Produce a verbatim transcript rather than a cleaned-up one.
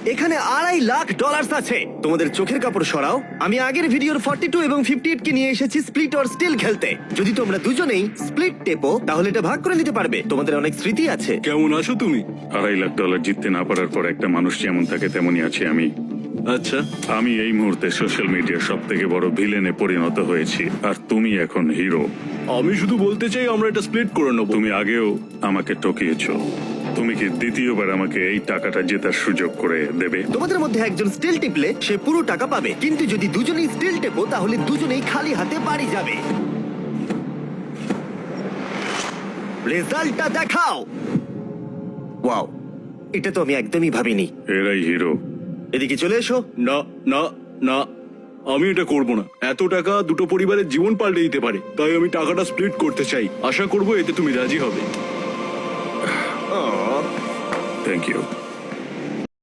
এখানে আড়াই লাখ ডলার আছে। তোমাদের চোখের কাপড় সরাও। আমি আগের ভিডিওর ফর্টি টু এবং ফিফটি এইট কে নিয়ে এসেছি স্প্লিট অর স্টিল খেলতে। যদি তোমরা দুজনেই স্প্লিট টেপো তাহলে এটা ভাগ করে নিতে পারবে। তোমাদের অনেক স্মৃতি আছে। কেমন আছো তুমি? আড়াই লাখ ডলার জিততে না পারার পর একটা মানুষ যেমন থাকে তেমনই আছি আমি। আচ্ছা, আমি এই মুহূর্তে সোশ্যাল মিডিয়ার সব থেকে বড় ভিলেনে পরিণত হয়েছি, আর তুমি এখন হিরো। আমি শুধু বলতে চাই আমরা এটা স্প্লিট করে নেবো। তুমি আগেও আমাকে ঠকিয়েছো। তুমি কি দ্বিতীয়বার আমাকে এই টাকাটা জেতার সুযোগ করে দেবে? তোমাদের মধ্যে একজন স্টিল টিপলে সে পুরো টাকা পাবে, কিন্তু যদি দুজনেই স্টিল টেপো তাহলে দুজনেই খালি হাতে বাড়ি যাবে। রেজাল্টটা দেখাও। ওয়াও, এটা তো আমি একদমই ভাবিনি। এরাই হিরো। এদিকে চলে এসো। না না না, আমি এটা করব না। এত টাকা দুটো পরিবারের জীবন পাল্টে দিতে পারে, তাই আমি টাকাটা স্প্লিট করতে চাই। আশা করবো এতে তুমি রাজি হবে। আহ, থ্যাংক ইউ।